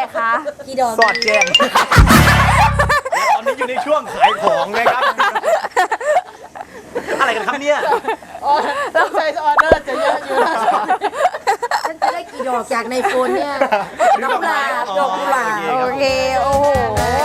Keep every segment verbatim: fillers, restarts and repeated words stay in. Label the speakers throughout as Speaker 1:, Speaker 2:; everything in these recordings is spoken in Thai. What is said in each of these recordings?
Speaker 1: คะ
Speaker 2: กี่ดอก
Speaker 3: สอดแจงตอนนี้อยู่ในช่วงขายของนะครับอะไรกันครับเนี่ย
Speaker 4: ต้องใช้ออเดอร์จะเยอะอยู่นะ
Speaker 2: ฉันจะได้กี่ดอกจากในโฟนเนี่ยดอกกุหลาบดอกกุหลาบ
Speaker 1: โอเคโอ้โห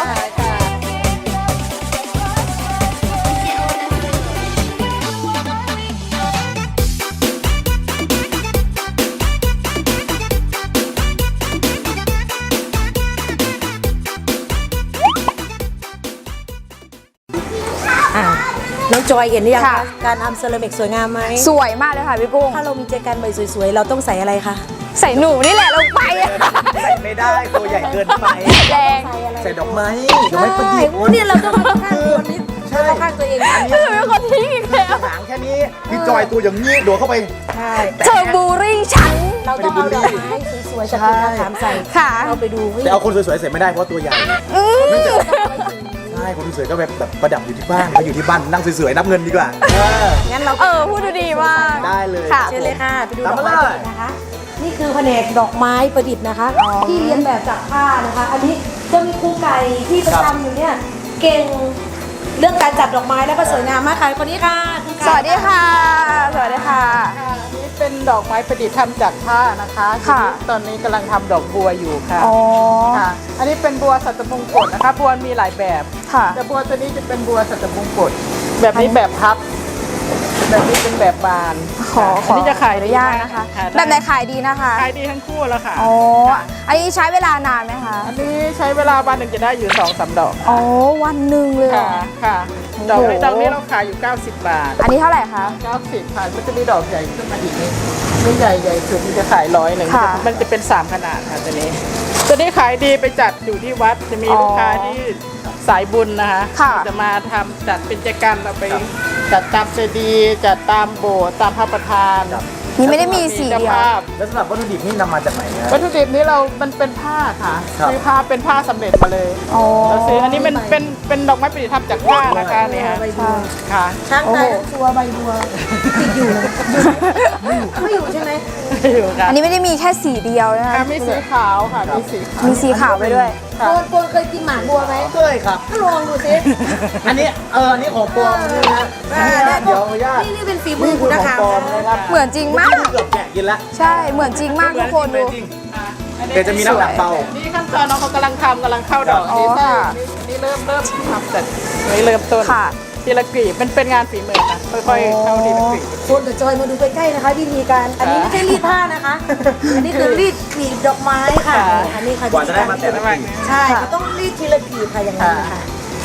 Speaker 2: น้องจอยเห็นหรือยังคะการทำเซรามิกสวยงามไหม
Speaker 1: สวยมากเลยค่ะพี่กุ้ง
Speaker 2: ถ้าเรามีใจกันใบสวยๆเราต้องใส่อะไรคะ
Speaker 1: ใส่หนูนี่แหละลงไป
Speaker 3: ใส่ไม่ได้ตัวใหญ่เกินไป
Speaker 1: แรง
Speaker 3: ใส่ดอกไม้ดอกไม้ประดิษฐ์
Speaker 2: โอ้เนี่ยเราต้องเข้าข้างตัวนี้เข้าข้างตัวเองอันนี้
Speaker 1: เป็นคนทิ้งอีกแล้ว
Speaker 3: หางแค่นี้พี่จอยตัวอย่างนี้โดดเข้าไป
Speaker 2: ใช่
Speaker 1: เธอบูริ่งฉัน
Speaker 2: เราต้องเอาดอกไม้สวยๆจากต้นมะขามใส่เราไปดู
Speaker 3: แต่เอาคนสวยๆใส่ไม่ได้เพราะตัวใหญ่ใช่คนสวยๆก็แบบแบบประดับอยู่ที่บ้านมาอยู่ที่บ้านนั่งสวยๆนับเงินดีกว่า
Speaker 2: งั้นเรา
Speaker 1: เออพูดดูดีมาก
Speaker 3: ได้เลย
Speaker 1: ค่ะ
Speaker 2: เชิญเลยค่ะไปดูดอกไม้นะคะนี่คือแผนกดอกไม้ประดิษฐ์นะคะที่เรียนแบบจากผ้านะคะอันนี้จะมีครูไก่ที่ประจำอยู่เนี่ยเก่งเรื่องการจัดดอกไม้แล้วก็สวยงามมากค่ะคนนี้ค่ะ
Speaker 1: สวัสดีค่ะสวัสดีค่ะ
Speaker 4: อันนี้เป็นดอกไม้ประดิษฐ์ทำจากผ้านะคะ
Speaker 1: ค่ะ
Speaker 4: ตอนนี้กำลังทำดอกบัวอยู่ค่ะ
Speaker 1: อ๋อ
Speaker 4: ค่ะอันนี้เป็นบัวสัตมงกตนะคะบัวมีหลายแบบ
Speaker 1: ค่ะ
Speaker 4: แต่บัวตัวนี้จะเป็นบัวสัตมงกตแบบนี้แบบพับแบบนี้เป็นแบบบาน
Speaker 1: ขอขอ
Speaker 4: อันนี้จะขาย
Speaker 1: อนุญาตนะคะ
Speaker 4: ค่ะ
Speaker 1: แบบไหนขายดีนะคะ
Speaker 4: ขายดีทั้งคู่แล้วค่ะ
Speaker 1: อ๋ออันนี้ใช้เวลานานไหมคะ
Speaker 4: อันนี้ใช้เวลาวันหนึ่งจะได้อยู่สองสามดอก
Speaker 1: อ๋อวันหนึ่งเลย
Speaker 4: ค่ะค่ะดอกนี้ดอกนี้เราขายอยู่เก้าสิบบาท
Speaker 1: อันนี้เท่าไหร่คะ
Speaker 4: เก้าสิบค่ะมันจะมีดอกใหญ่ขึ้นมาอีกนิดนี่ใหญ่ใหญ่สุดมันจะขายร้อยหนึ่งมันจะเป็นสามขนาดค่ะตัวนี้ตัวนี้ขายดีไปจัดอยู่ที่วัดจะมีลูกค้าที่สายบุญนะคะจะมาทำจัดเป็นกิจกรรมเราไปจัดตามเจดีย์จัดตามโบสถ์ตามพระประธาน
Speaker 1: นี่ไม่ได้มีสีเดียว
Speaker 3: แล้วสำหรับวัตถุดิบนี่นำมาจากไหนนะ
Speaker 4: วัตถุดิบนี้เรา มันเป็นผ้าค่ะซื้อผ้าเป็นผ้าสำเร็จมาเลยเราซื้ออันนี้มันเป็นเป็นดอกไม้ประดิษฐ์ทำจากผ้านะคะนี่ค่ะค่ะ
Speaker 2: ช้างตายทั้งตัวใบบัวติดอยู่ไม่อยู่ใช่ไหม
Speaker 4: อยู่ค่ะ
Speaker 1: อันนี้ไม่ได้มีแค่สีเดียวนะคะ
Speaker 4: มีสีขาวค่ะมีสีขาว
Speaker 1: มีสีขาวไปด้วย
Speaker 2: โกนโกนเคยกินหมากบัวไหม
Speaker 3: เคยครับ
Speaker 2: ก็ลองดูสิ
Speaker 3: อันนี้เอออันนี้ของปลอมนี่นะเดี๋ยวญาติ
Speaker 2: นี่นี่เป็นฝีมือคุณนะคะ
Speaker 1: เหมือนจริงมาก
Speaker 3: เกือบแกะกินละ
Speaker 1: ใช่เหมือนจริงมากทุกคนดู
Speaker 3: แต่จะมีน้ำหนักเบา
Speaker 4: นี่ขั้นตอนน้องเขากำลังทำกำลังเข้าดอกนี่นี่เริ่มเริ่มทำเสร็จนี่เริ่มต้นทีละกลีบมันเป็นงานฝีมือค่ะค่อยๆเข้าทีละกลีบ
Speaker 2: คนกับจอยมาดูใกล้ๆนะคะวิธีการอันนี้ไม่ใช่รีดผ้านะคะอันนี้คือรีดกลีบดอกไม้ค่ะอันนี้ค่ะ
Speaker 3: กว่าจะได้มาแต่ละวัน
Speaker 2: ใช่เขาต้องรีดทีละกลีบค่ะอย่างนั้นค่ะ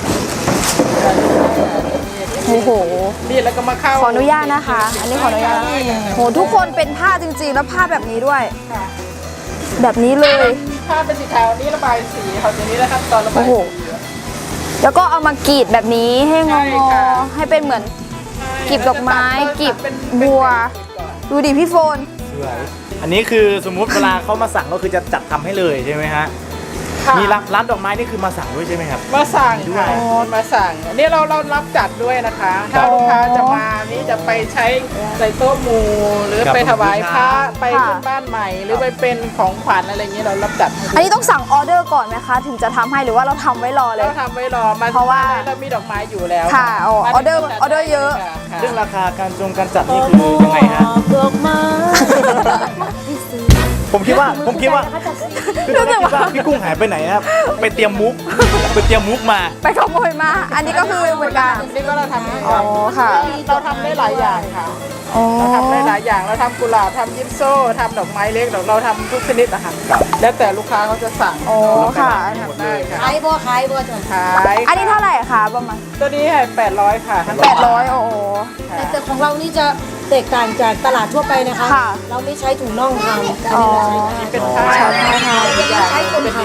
Speaker 1: โอ้โห
Speaker 4: รีดแล้วก็มาเข้า
Speaker 1: ขออนุญาตนะคะอันนี้ขออนุญาตโหทุกคนเป็นผ้าจริงๆแล้วผ้าแบบนี้ด้วยแบบนี้เลย
Speaker 4: ผ้าเป็นสีขาวนี้ระบายสีเขาตัวนี้นะครับตอนระบาย
Speaker 1: แล้วก็เอามากรีดแบบนี้ให้งอๆให้เป็นเหมือนกลีบดอกไม้กลีบบัวดูดิพี่โฟน
Speaker 3: อันนี้คือสมมุติเวลาเขามาสั่งก็คือจะจัดทำให้เลยใช่ไหมฮะมีร้านดอกไม้นี่คือมาสั่งด้วยใช่ไหมครับ
Speaker 4: มาสั่งด้วยมาสั่งนี่เราเรารับจัดด้วยนะคะถ้าลูกค้าจะมานี่จะไปใช้ใส่โต๊ะหมู่หรือไปถวายพระไปขึ้นบ้านใหม่หรือไปเป็นของขวัญอะไรเงี้ยเรารับจัด
Speaker 1: อันนี้ต้องสั่งออเดอร์ก่อนไหมคะถึงจะทำให้หรือว่าเราทำไว้รอเลย
Speaker 4: เราทำไว้รอมาเพราะว่าเรามีดอกไม้อยู่แล้ว
Speaker 1: ค่ะออเดอร์ออเดอร์เยอะ
Speaker 3: เรื่องราคาการจงการจัดนี่คือยังไงฮะ
Speaker 2: ดอกไม้
Speaker 3: ผมคิดว่าผมคิดว่าพี่กุ้งหายไปไหนครับไปเตรียมมุกไปเตรียมมุกมา
Speaker 1: ไปขโมยมาอันนี้ก็คือเหมือนกัน
Speaker 4: นี่ก็เราทำ
Speaker 1: อ๋อค่ะ
Speaker 4: เราทำได้หลายอย่างค่ะเราทำได้หลายอย่างเราทำกุหลาบทำยิปโซ่ทำดอกไม้เล็กเราทำทุกชนิดนะคะแล้วแต่ลูกค้าเขาจะสั่ง
Speaker 1: อ๋อค่ะ
Speaker 2: ขายบ่ขายบ่จน
Speaker 4: ขาย
Speaker 1: อันนี้เท่าไหร่คะประมาณ
Speaker 4: ตัวนี้ให้แปดร้อยค่ะ
Speaker 1: แปดร้อยโอ้
Speaker 2: แต่ของเรานี่จะแตกต่างจากตลาดทั่วไปนะคะเราไม่ใช้ถุงน่องทำ
Speaker 1: อ๋อ
Speaker 4: เป็นผ้า
Speaker 2: ใช้คนท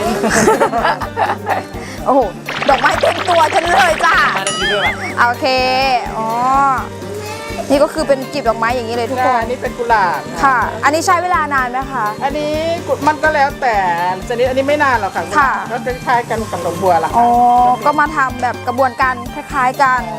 Speaker 1: ำโอ้โหดอกไม้เต็มตัวฉันเลยจ้าโอเคอ๋อนี่ก็คือเป็นกลีบดอกไม้อย่างนี้เลยทุกคน
Speaker 4: อันนี้เป็นกุหลาบ
Speaker 1: ค่ะอันนี้ใช้เวลานานไหมคะ
Speaker 4: อันนี้มันก็แล้วแต่ชนิดอันนี้ไม่นานหรอกค่ะก็คล้ายๆกันกับดอกบัวละ
Speaker 1: อ๋อก็มาทำแบบกระบวนการคล้ายๆกัน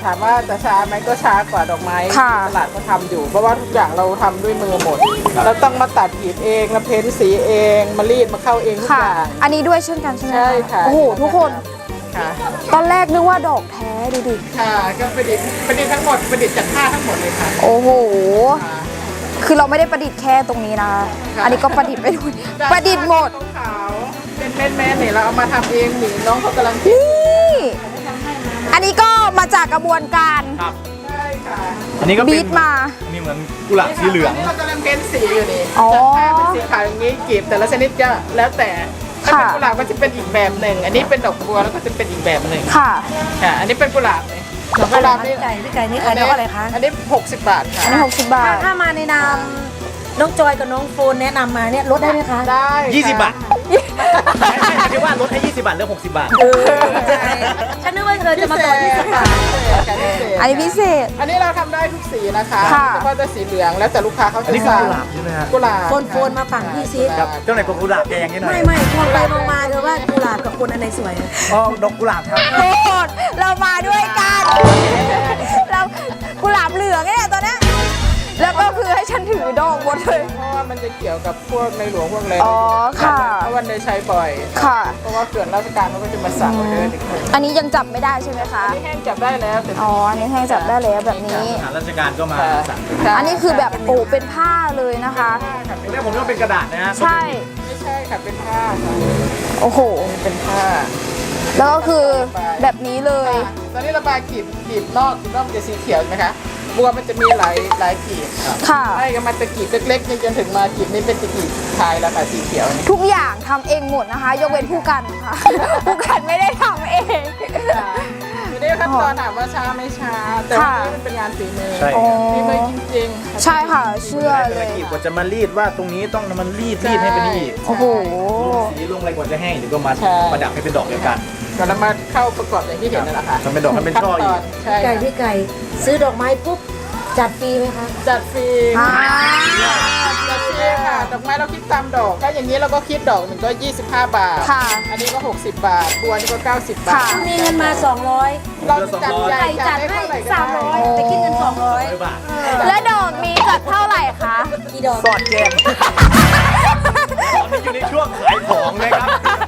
Speaker 4: ถามว่าจะช้าไหมก็ช้ากว่าดอกไม้
Speaker 1: ค่ะ
Speaker 4: ที่ตลาดก็ทำอยู่ เพราะว่าทุกอย่างเราทำด้วยมือหมด เราต้องมาตัดกรีดเองมาเพ้นสีเองมารีดมาเข้าเองทุก
Speaker 1: ค่ะ
Speaker 4: อย่าง
Speaker 1: อันนี้ด้วยเช่นกันใช่ไหม
Speaker 4: ใช่ค่ะ
Speaker 1: โอ้โหทุกคน
Speaker 4: ค่ะ
Speaker 1: ตอนแรกนึกว่าดอกแท้ดูดิ
Speaker 4: ค่ะก็ประดิษฐ์ประดิษฐ์ทั้งหมดประดิษฐ์จากผ้าทั้งหมดเลยค่ะ
Speaker 1: โอ้โห
Speaker 4: ค่ะ
Speaker 1: คือเราไม่ได้ประดิษฐ์แค่ตรงนี้นะ
Speaker 4: ค่ะ
Speaker 1: อันนี้ก็ประดิษฐ์ไปด้วยประดิษฐ์หมด
Speaker 4: ขาวๆเป็นแม่ๆเนี่ยเราเอามาทำเองนี่น้องเขากำลังคิด
Speaker 1: นี่ อันนี้ก็มาจากกระบวนการ
Speaker 3: ครับ
Speaker 4: ใช่ค่ะ
Speaker 3: อันนี้ก็เป็น
Speaker 1: บีทมา
Speaker 3: อันนี้เหมือนกุหลาบสีเหลือง
Speaker 4: ตนนี้เรากำลังเพ้นสีอยู่นี่
Speaker 1: อ๋อ
Speaker 4: จากผ้าเป็นสีขาวอย่างนี้กลีบแต่ละชนิดก็แล้วแต่ถ้าเป็น
Speaker 1: ค่ะ
Speaker 4: กุหลาบก็จะเป็นอีกแบบหนึ่ง อันนี้เป็นดอกบัวแล้วก็จะเป็นอีกแบบหนึ่ง
Speaker 1: ค่ะ
Speaker 4: ค่ะ อันนี้เป็นกุหลาบเลย
Speaker 2: ดอกอะไรคะพี่ไก่พี่ไก่นี่ขายดอกอะไรคะ
Speaker 4: อันนี้หกสิบบาท
Speaker 1: อัน
Speaker 4: ค่ะ
Speaker 1: นี้หกสิบบา
Speaker 2: ถ้า
Speaker 1: ท
Speaker 2: ถ้ามาในนามน้องจอยกับน้องโฟนแนะนำมาเนี่ยลดได้ไหมคะ
Speaker 4: ได้
Speaker 3: ยี่สิบบาท
Speaker 4: ค่ะ
Speaker 3: ไม่ไม่หมายถึงว่าลดให้ยี่สิบบาทเหลือหกสิบบาท
Speaker 2: เออใช่ฉันนึกว่าเธอจะมาต่อที่สปา
Speaker 1: อันนี้พิเศษ
Speaker 4: อันนี้เราทำได้ทุกสีนะคะ
Speaker 1: ค่ะ
Speaker 4: เฉพาะแต่สีเหลืองแล้วแต่ลูกค้าเขา
Speaker 3: อั
Speaker 4: จะ
Speaker 3: นนี้คือ
Speaker 4: สั่ง
Speaker 3: กุหลาบใช่ไหมฮะ
Speaker 4: กุหลาบ
Speaker 2: โฟนโฟนมาฝั่งพี่ซิ
Speaker 3: ครับเจ้าไหนกุหลาบแดงนี่หน่อย
Speaker 2: ไม่ไม่มองไปมองมาเธอว่ากุหลาบกับคนอันไหนสวย
Speaker 3: อ๋อดอกกุหลาบครับ
Speaker 1: โทษเรามาด้วยกัน เรากุหลาบเหลืองเนี่ยตอนเนี้ยแล้วก็คือให้ฉันถือดอกหมดเลย
Speaker 4: เพราะว่ามันจะเกี่ยวกับพวกในหลวงพวกอะไร
Speaker 1: อ๋อค่ะ
Speaker 4: เพราะวันได้ใช้บ่อย
Speaker 1: ค่ะ
Speaker 4: เพราะว่าเขื่อนราชการเขาก็จะมาสั่งออเดอร์อีกคน
Speaker 1: อันนี้ยังจับไม่ได้ใช่ไหมคะ
Speaker 4: อันนี้แห้งจับได้แล้วแต่
Speaker 1: อ๋อ อันนี้ให้จับได้แล้วแบบนี้
Speaker 3: ทหารราชการก็มาสั่ง
Speaker 1: อันนี้คือแบบโอ้เป็นผ้าเลยนะคะ
Speaker 4: ค่ะ
Speaker 3: แรกผมนึกว่าเป็นกระดาษนะฮะ
Speaker 1: ใช่
Speaker 4: ไม่ใช่ค่ะเป็นผ้าค่ะ
Speaker 1: โอ้โห
Speaker 4: เป็นผ้า
Speaker 1: แล้วก็คือแบบนี้เลย
Speaker 4: ตอนนี้ระบายกลีบกลีบนอกกลีบนอกมันจะสีเขียวใช่ไหมคะบัวมันจะมีหลายหลายกลีบ
Speaker 1: ค่ะ
Speaker 4: ไล่กันมาตะกลีบเล็กๆนี่จนถึงมากลีบนี้เป็นตะกลีบชายแล้วค่ะสีเขียวนี่
Speaker 1: ทุกอย่างทำเองหมดนะคะ ยกเว้นผู้กันค่ะ ผู้กันไม่ได้ทำเอง
Speaker 4: ค่ะทีนี้ขั้นตอนถามว่าช้าไม่ช้า แต่ว่า
Speaker 1: ค่ะ
Speaker 4: นี่มันเป็นงานฝีมือ
Speaker 3: ใช่
Speaker 1: อ๋อ
Speaker 4: ฝีมือจริงๆ
Speaker 1: ใช่ค่ะ เชื่อ
Speaker 3: แต่
Speaker 1: เล
Speaker 3: ละ
Speaker 1: ย
Speaker 3: กีบกว่าจะมารีดว่าตรงนี้ต้องมันรีดรีดให้เป็นนี่
Speaker 1: โอ้โห
Speaker 3: ลงสีลงอะไรกว่าจะแห้งเดี๋ยวก็มา
Speaker 4: ใช่
Speaker 3: ประดับให้เป็นดอกเดียวกัน
Speaker 4: ก่อนเรามาเข้าประกอบอย่างที่เห็นนั่นแหละค่ะ
Speaker 3: ทำเป็นดอกทำเป็นช่ออีก
Speaker 4: ขั้นตนใช่
Speaker 2: ไก่
Speaker 4: ค่ะ
Speaker 2: พี่ไก่ซื้อดอกไม้ปุ๊บจัดฟรีไหมคะ
Speaker 4: จัดฟรี
Speaker 1: อ่า
Speaker 4: จัดฟรีค่ะ ดอกไม้เราคิดตามดอก ถ้าอย่างนี้เราก็คิดดอกหนึ่งก็ยี่สิบห้าบาท
Speaker 1: ค่ะ
Speaker 4: อันนี้ก็หกสิบบาท บัวนี่ก็เก้าสิบบา
Speaker 1: ค่ะ
Speaker 4: ท
Speaker 2: มีเงินมาสองร้อย
Speaker 4: เราจะจัดใหญ่
Speaker 2: ไก่
Speaker 4: จั
Speaker 2: จั
Speaker 4: ด
Speaker 2: ด
Speaker 4: ได้
Speaker 2: ให้
Speaker 4: เท่าไหร่ก็
Speaker 2: สามร้อย
Speaker 4: ได้
Speaker 2: แต่คิดเงินสองร้อย
Speaker 3: ร้อยบาท
Speaker 1: และดอกนี้จัดเท่าไหร่คะ
Speaker 2: กี่ดอก
Speaker 3: สอดแจงตอนนี้อยู่ในช่วงขายของเลยครับ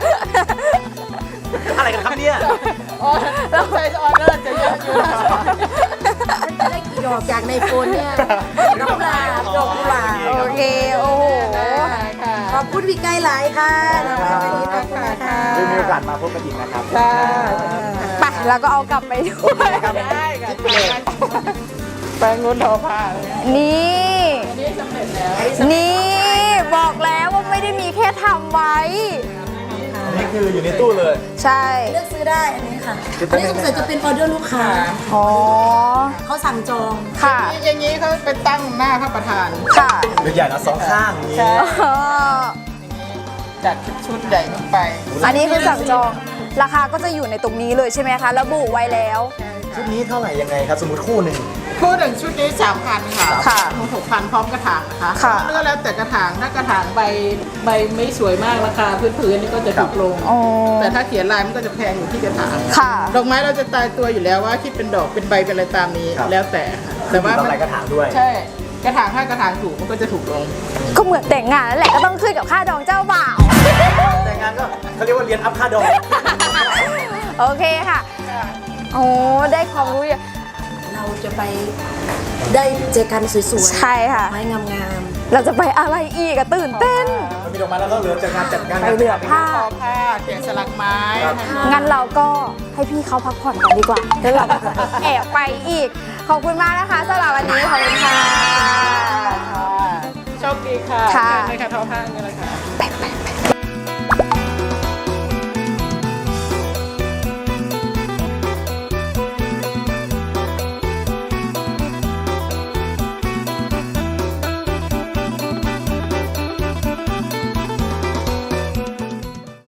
Speaker 3: อะไรกันครับเนี่ย
Speaker 4: อ๋อเราใช้ออเดอร์จะเยอะอยู่นะ
Speaker 2: ได้กี่ดอกจากในโฟนเนี่ยดอกกุหลาบดอกกุหลาบ
Speaker 1: โอเค โอ้โห
Speaker 4: ได้ค่ะ
Speaker 2: ขอบคุณพี่ไก่หลายค่ะนะคะวันนี้ขอบคุณนะคะ
Speaker 3: ได้มีโอกาสมาพบกันอีกนะครับ
Speaker 4: ค่ะ
Speaker 1: ไปแล้วก็เอากลับไปด้วย
Speaker 4: ได้ค่ะแปลงงุ้นทอผ้าเลย
Speaker 1: นี่
Speaker 4: อันนี้สำเร็จแล้ว
Speaker 1: นี่บอกแล้วว่าไม่ได้มีแค่ทำไว้
Speaker 3: อันนี้คืออยู่ในตู้เลย
Speaker 1: ใช่
Speaker 2: เลือกซื้อได้อันนี้ค่ะอันนี้สงสัยจะเป็นออเดอร์ลูกค้า
Speaker 1: อ๋อ
Speaker 2: เขาสั่งจอง
Speaker 1: ค่ะ
Speaker 4: อย่างนี้เขาไปตั้งหน้าพระประธาน
Speaker 1: ค่ะ
Speaker 3: เป็นใหญ่นะสองข้างอย่างนี้
Speaker 4: ใช่
Speaker 1: อ๋อ
Speaker 4: จัดชุดใหญ่ลงไป
Speaker 1: อันนี้คือสั่งจอง ราคาก็จะอยู่ในตรงนี้เลยใช่ไหมคะ ระบุไว้แล้ว
Speaker 3: ชุดนี้เท่าไหร่ยังไงครับ สมมติคู่หนึ่ง
Speaker 4: คู่หนึ่งชุดนี้สามพันค่ะ
Speaker 1: ค่ะ
Speaker 4: หกพันพร้อมกระถางนะคะ
Speaker 1: ค่ะ
Speaker 4: แล้วก็แล้วแต่กระถางถ้ากระถางใบใบไม่สวยมากราคาพื้นๆนี่ก็จะถูกลง
Speaker 1: อ๋อ
Speaker 4: แต่ถ้าเขียนลายมันก็จะแพงอยู่ที่กระถาง
Speaker 1: ค่ะ
Speaker 4: ดอกไม้เราจะตายตัวอยู่แล้วว่าคิดเป็นดอกเป็นใบเป็นอะไรตามนี้แล้วแต่ค่ะ
Speaker 3: แต่
Speaker 4: แต่
Speaker 3: ว่า
Speaker 4: ว่า
Speaker 3: อะไรกระถางด้วย
Speaker 4: ใช่กระถางถ้ากระถางถูกมันก็จะถูกลง
Speaker 1: ก็เหมือนแต่งงานนั่นแหละก็ต้องขึ้นกับค่าดองเจ้าบ่าว
Speaker 3: แต่งงานก็เขาเรียกว่าเรียนอัพค่าดอก
Speaker 1: โอเคค่ะ โอ้ได้ความรู้เยอะ
Speaker 2: เราจะไปได้เจอกันสวยๆ
Speaker 1: ใช่ค่ะ
Speaker 2: ไม้งาม
Speaker 1: เราจะไปอะไรอีกอะตื่นเต้น
Speaker 3: มันมีดอกไม้แล้วก็เหลือจากงานจัดงาน
Speaker 1: ไปเหลือผ้า
Speaker 4: ทอผ้าแกะสลักไม้
Speaker 1: งั้นเราก็ให้พี่เขาพักผ่อนกันดีกว่าแล้วเราก็จะแอบไปอีก ขอบคุณมากนะคะสำหรับวันนี้ ขอบคุณค่ะ
Speaker 4: โชคดีค่ะ
Speaker 1: ค่ะ
Speaker 4: เชิญเลยค่ะทอผ้านี่แหละค่ะ